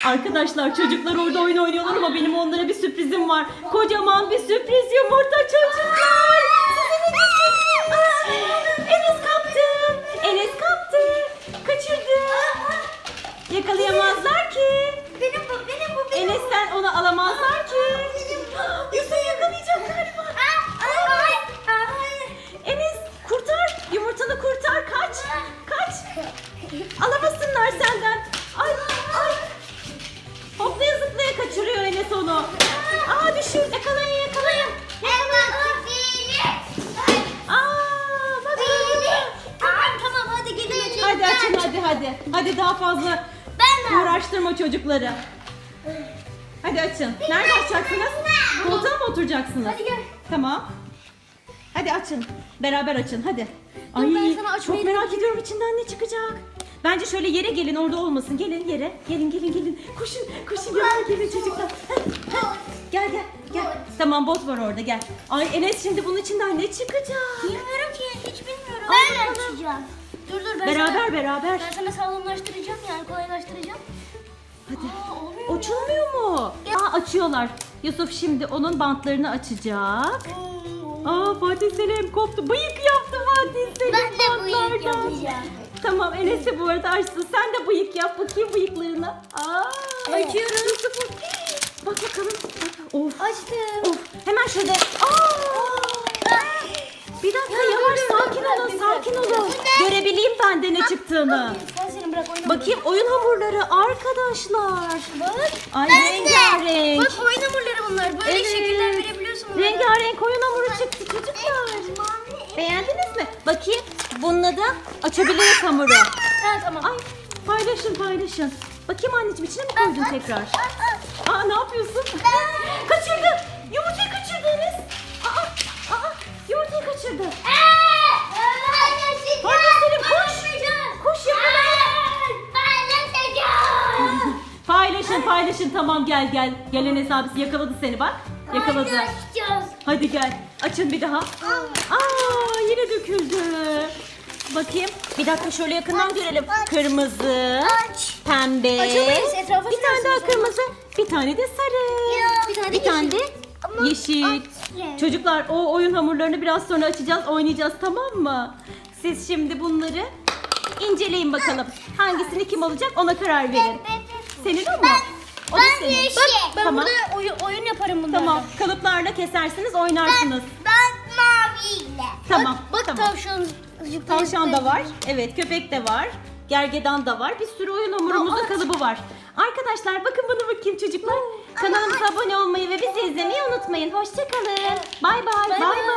Arkadaşlar çocuklar orada oyun oynuyorlar ama benim onlara bir sürprizim var. Kocaman bir sürpriz yumurta çocuklar. Size ne getirdim? Enes kaptı. Enes kaptı. Kaçırdı. Yakalayamazlar ki. Benim bu. Enes'ten onu alamazlar ki. Yusuf yakalayacak galiba. Enes kurtar. Yumurtanı kurtar. Kaç. Kaç. Alamasınlar senden. Ay ay. Hoplaya zıplaya kaçırıyor Enes onu. Aa düşür. Yakalayın yakalayın. Aa bak. Tamam hadi gelin açalım. Hadi açın hadi. Hadi daha fazla uğraştırma çocukları. Hadi açın. Nerede açacaksınız? Koltuğa mı oturacaksınız? Hadi gel. Tamam. Hadi açın. Beraber açın hadi. Dur, ben sana açmayı çok merak ediyorum içinden ne çıkacak. Bence şöyle yere gelin, orada olmasın. Gelin yere. Gelin. Koşun gelin çocuklar. Gel. Tamam bot var orada gel. Ay Enes şimdi bunun içinden ne çıkacak? Bilmiyorum ki hiç bilmiyorum. Ben açacağım. Dur Beraber. Ben sana sağlamlaştıracağım yani kolaylaştıracağım. Hadi. Olmuyor. Açılmıyor mu? Aa açıyorlar. Yusuf şimdi onun bantlarını açacak. Aa Fatih Selim koptu. Bıyık yaptı Fatih Selim Ben de bıyık bantlardan. yapacağım. Tamam Enes de bu arada açsın. Sen de bıyık yap bakayım bıyıklarını. Aa, Açıyorum. Yusuf'un. Bak bakalım. Of. Açtım. Of. Hemen şöyle. Bir dakika yavaş sakin olun. Görebileyim ben de ne çıktığını. Sen seni bırak oynama. Bakayım oyun hamurları arkadaşlar. Bak. Ay Ben de. rengarenk. Bak oyun hamurları bunlar. Böyle Evet. şekiller verebiliyorsun bunlara. Rengarenk oyun hamuru çıktı çocuklar. Beğendiniz mi? Bakayım. Bununla da açabiliriz hamuru. Ha tamam. Ay paylaşın. Bakayım anneciğim içine mi koydun tekrar? Aa ne yapıyorsun? Kaçırdı. Yumurtayı kaçırdı Enes. Aa yumurtayı kaçırdı. Fatih Selim koş. Koş yakala. Paylaşın tamam gel. Gel Enes abisi yakaladı seni bak. Yakaladı. Hadi gel. Açın bir daha. Yine döküldü. Bakayım. Bir dakika şöyle yakından görelim. Kırmızı, pembe. Açamayız, etrafa Bir tane daha sürersiniz. kırmızı, bir tane de sarı. Bir tane de yeşil. Çocuklar o oyun hamurlarını biraz sonra açacağız, oynayacağız tamam mı? Siz şimdi bunları inceleyin bakalım. Hangisini kim alacak ona karar verin. Senin o mu? O da senin. Ben Tamam. burada oyun yaparım bunlarla. Tamam. Kalıplarla kesersiniz, oynarsınız. Ben maviyle. Tamam. Bak tamam. tavşan. Tavşan da var. Evet, köpek de var. Gergedan da var. Bir sürü oyun hamurumuzun kalıbı var. Arkadaşlar bakın bana bakayım çocuklar. Kanalımıza abone olmayı ve bizi izlemeyi unutmayın. Hoşça kalın. Bay bay.